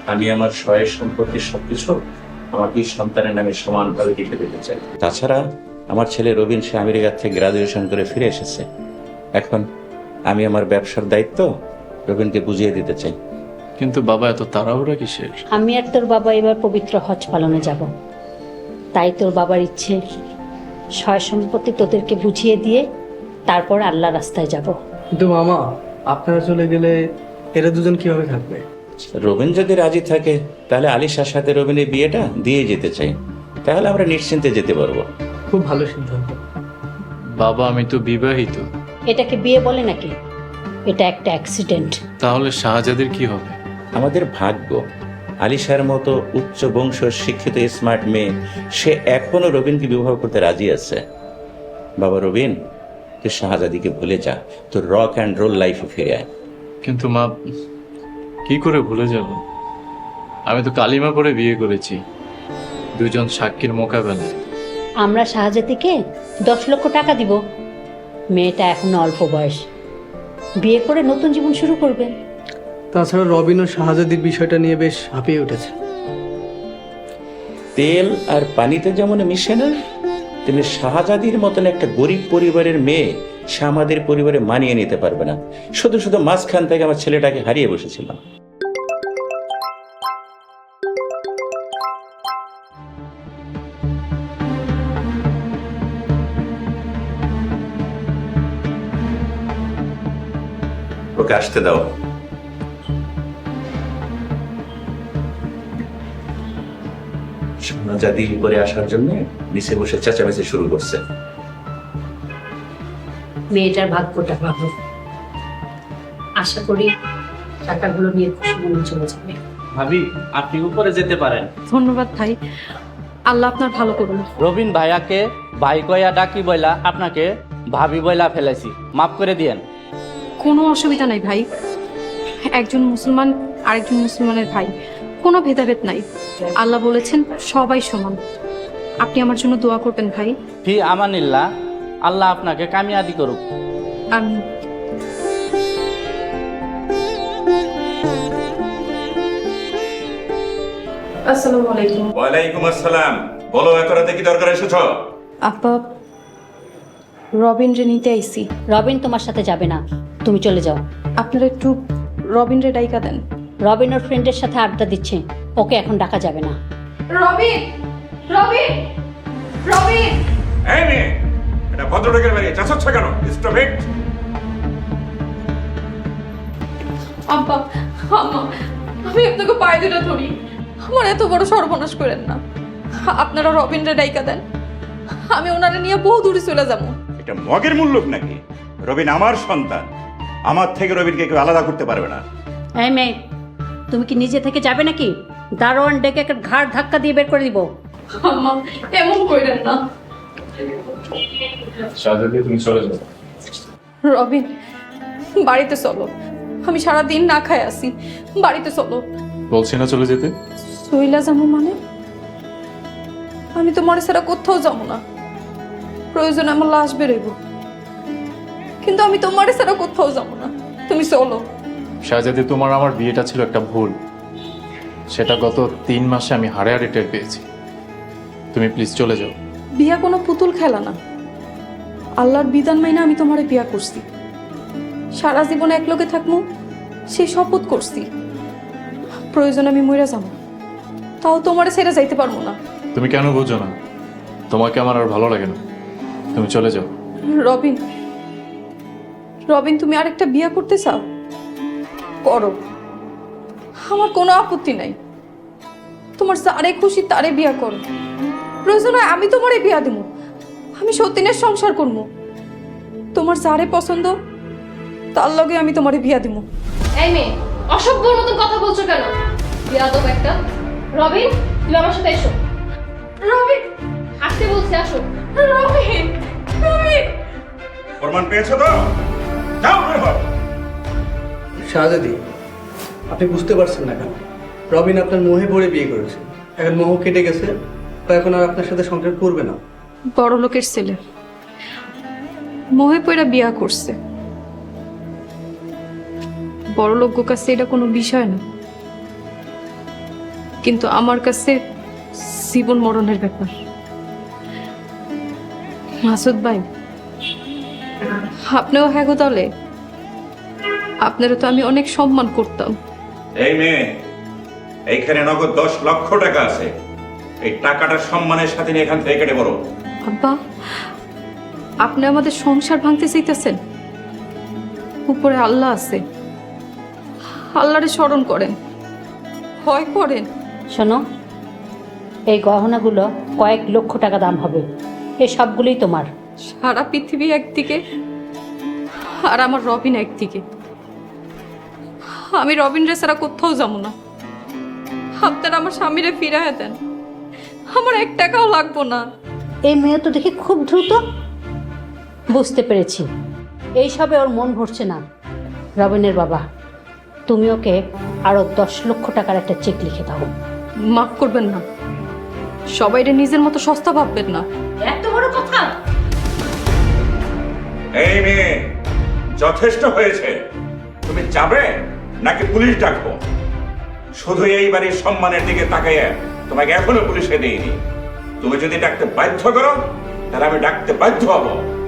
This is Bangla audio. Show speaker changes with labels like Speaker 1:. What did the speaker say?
Speaker 1: আমি আমার সয় সম্পত্তির সবকিছু আমার দুই সন্তানের নামে সমানভাবে লিখে দিতে চাই। তাছাড়া আমার ছেলে রবিন সে আমেরিকা থেকে গ্রাজুয়েশন করে ফিরে এসেছে। এখন আমি আমার ব্যবসার দায়িত্ব রবিনকে বুঝিয়ে দিতে চাই।
Speaker 2: কিন্তু বাবা এত তাড়াহুড়া কিসের?
Speaker 3: আমি আর তোর বাবা এবার পবিত্র হজ পালনে যাব, তাই তোর বাবার ইচ্ছে সয় সম্পত্তি তোদেরকে বুঝিয়ে দিয়ে তারপর আল্লাহ রাস্তায় যাব।
Speaker 4: কিন্তু মামা, আপনারা চলে গেলে এরা দুজন কিভাবে থাকবে?
Speaker 1: রবিন যদি রাজি থাকে তাহলে আলিশার সাথে রবিনের বিয়েটা দিয়ে যেতে চাই, তাহলে আমরা নিশ্চিন্তে যেতে পারবো।
Speaker 4: খুব ভালো সিদ্ধান্ত।
Speaker 2: বাবা আমি তো বিবাহিত।
Speaker 3: এটাকে বিয়ে বলে নাকি? এটা একটা অ্যাক্সিডেন্ট।
Speaker 2: তাহলে শাহজাদির কি হবে?
Speaker 1: আমাদের ভাগ্য, আলিশার মতো উচ্চ বংশ শিক্ষিত স্মার্ট মেয়ে সে এখনো রবিনকে বিবাহ করতে রাজি আছে। বাবা রবিন, তুই শাহজাদিকে ভুলে যা, তোর রক অ্যান্ড রোল লাইফে ফিরে আয়।
Speaker 2: কিন্তু মা, কি করে ভুলে যাব? আমি তো কালিমা পড়ে বিয়ে করেছি, দুজন সাক্ষীর মোকাবেলায়।
Speaker 3: আমরা শাহজাদিকে 10 লক্ষ টাকা দিব। মেয়েটা এখনো অল্প বয়স, বিয়ে করে নতুন জীবন শুরু করবে।
Speaker 4: তাছাড়া রবিন ও শাহজাদির বিষয়টা নিয়ে বেশ হাঁপিয়ে উঠেছে।
Speaker 1: তেল আর পানিতে যেমন মিশে না, তেমনি শাহজাদির মতন একটা গরিব পরিবারের মেয়ে সে আমাদের পরিবারে মানিয়ে নিতে পারবে না। শুধু শুধু মাঝখান থেকে আমার ছেলেটাকে হারিয়ে বসেছিলাম। ওকে আসতে দাও। শাহজাদি উপরে আসার জন্য নিচে বসে চেঁচামেচি শুরু করছে।
Speaker 3: মেয়েটার ভাগ্যটা ভালো, আশা করি টাকাগুলো নিয়ে খুশি মনে চলে যাবে।
Speaker 5: ভাবি, আপনি উপরে যেতে পারেন।
Speaker 6: ধন্যবাদ ভাই, আল্লাহ আপনার ভালো করুন।
Speaker 5: রবিন ভাইয়াকে ভাই কয়া ডাকি বইলা আপনাকে ভাবি বইলা ফেলেছি, মাফ করে দিয়েন।
Speaker 6: কোনো অসুবিধা নাই ভাই, একজন মুসলমান আরেকজন মুসলমানের ভাই, কোনো ভেদাভেদ নাই। আল্লাহ বলেছেন সবাই সমান। আপনি আমার জন্য দোয়া করবেন ভাই।
Speaker 5: ফি আমানিল্লাহ, আল্লাহ আপনাকে কামিয়াবি করুক।
Speaker 6: আমি আসসালামু আলাইকুম।
Speaker 1: ওয়ালাইকুম আসসালাম। বলো, এত রাতে কি দরকার এসেছ?
Speaker 6: আপা, রবিন রে নিতে আইছি।
Speaker 3: রবিন তোমার সাথে যাবে না, তুমি চলে যাও।
Speaker 6: আপনারা একটু রবিন রে ডাইকা দেন।
Speaker 3: রবিন ওর ফ্রেন্ডের সাথে আড্ডা দিচ্ছে, ওকে এখন ডাকা যাবে না।
Speaker 6: রবিন, রবিন, রবিন।
Speaker 1: এই মেয়ে, এটা ভদ্রলোকের বাড়ি, চাচাচ্ছ কেন? Stop it.
Speaker 6: আব্বা, আম্মা, আমি আপনাকে পায়ে দুটো ধরি, আমার এত বড় সর্বনাশ করেন না। আপনারা রবিন রে ডাইকা দেন, আমি ওনারে নিয়ে বহু দূরে চলে যাবো।
Speaker 7: এটা মগের মূল্য নাকি? রবিন আমার সন্তান, আমার থেকে রবিনকে কেউ আলাদা করতে পারবে না।
Speaker 3: এই মেয়ে, তুমি কি নিজে থেকে যাবে নাকি? দারোয়ান ডেকে একটা ঘাড় ধাক্কা দিয়ে বের করে দিব।
Speaker 6: আম্মা, এমন কইরেন না।
Speaker 2: শাহজাদি তুমি চলে যাও।
Speaker 6: রবিন, বাড়িতে চলো, আমি সারা দিন না খায় আসি, বাড়িতে চলো।
Speaker 2: বলছি না চলে যেতে?
Speaker 6: সইলা যাবো মানে? আমি তোমার ছাড়া কোথাও যাবো না, প্রয়োজনে আমার লাশ বেরোইব, কিন্তু আমি তোমার ছাড়া কোথাও যাবো না। তুমি চলো।
Speaker 2: শাহজাদি, তোমার আমার বিয়েটা ছিল একটা ভুল, সেটা গত 3 মাসে আমি হাড়ে হাড়ে টের পেয়েছি। তুমি প্লিজ চলে যাও।
Speaker 6: বিয়া কোনো পুতুল খেলা না, আল্লাহর বিধান মাইনা আমি তোমারে বিয়া করছি, সারা জীবন একলগে থাকবো সেই শপথ করছি। প্রয়োজন আমি মইরা যাবো, তাও তোমারে ছেড়ে যাইতে পারবো না।
Speaker 2: তুমি কেন বুঝো না? তোমাকে আমার আর ভালো লাগে না, তুমি চলে যাও।
Speaker 6: রবিন, রবিন, তুমি আরেকটা বিয়া করতে চাও? করো, আমার কোনো আপত্তি নাই। তোমার যারে খুশি তারে বিয়া করো, প্রয়োজন হয় আমি তোমারে বিয়া দেব, আমি সতীনের সংসার করব। তোমার যারে পছন্দ তার লগে আমি তোমারে বিয়া দেব।
Speaker 8: এই মেয়ে, অসভ্যর মতন কথা বলছো কেন? বিয়াদব একটা। রবিন, তুমি আমার সাথে এসো।
Speaker 6: রবিন,
Speaker 8: আসতে বলছি, আসো।
Speaker 6: রবিন, রবিন।
Speaker 7: প্রমাণ পেয়েছো তো? যাও বের হও।
Speaker 4: শাহজাদি, আপনি বুঝতে পারছেন না কেন? রবিন আপনার মোহে পড়ে বিয়ে করেছে, এখন মোহ কেটে গেছে, তো এখন আর আপনার সাথে সংসার করবে না।
Speaker 6: বড় লোকের ছেলে মোহে পইরা বিয়া করছে, বড় লোক কাছে এটা কোনো বিষয় না। কিন্তু আমার কাছে জীবন মরণের ব্যাপার। মাসুদ ভাই, আপনিও হ্যাঁ গো তাহলে? আপনারও তো আমি অনেক সম্মান করতাম।
Speaker 7: এই মেয়ে, এইখানে নগদ 10 লক্ষ টাকা আছে। এই টাকাটা সম্মানের সাথে নিয়ে এখান থেকে কেটে পড়ো।
Speaker 6: আব্বা, আপনি আমাদের সংসার ভাঙতে চাইতেছেন? উপরে আল্লাহ আছে, আল্লাহরে স্মরণ করেন, ভয় করেন।
Speaker 3: শোনো, এই গহনাগুলো কয়েক লক্ষ টাকা দাম হবে, এই সবগুলোই তোমার।
Speaker 6: সারা পৃথিবী একদিকে আর আমার রবিন একদিকে। আমি রবিন রে ছাড়া কোথাও যাবো না। আপনারা আমার স্বামীরে ফিরাইয়া দেন, আমার 1 টাকাও লাগবো না।
Speaker 3: এই মেয়ে তো দেখি খুব দ্রুত। বুঝতে পেরেছি, এইসবে ওর মন ভরছে না। রবিনের বাবা, তুমি ওকে আরো 10 লক্ষ টাকার একটা চেক লিখে দাও।
Speaker 6: মাফ করবেন না, সবাইরে নিজের মতো সস্তা ভাববেন না।
Speaker 3: এত বড় কথা!
Speaker 7: এই মেয়ে, যথেষ্ট হয়েছে। তুমি যাবে নাকি পুলিশ ডাকবো? শুধু এই বাড়ির সম্মানের দিকে তাকাইয়া তোমাকে এখনো পুলিশে দেইনি। তুমি যদি ডাকতে বাধ্য করো, তাহলে আমি ডাকতে বাধ্য হব।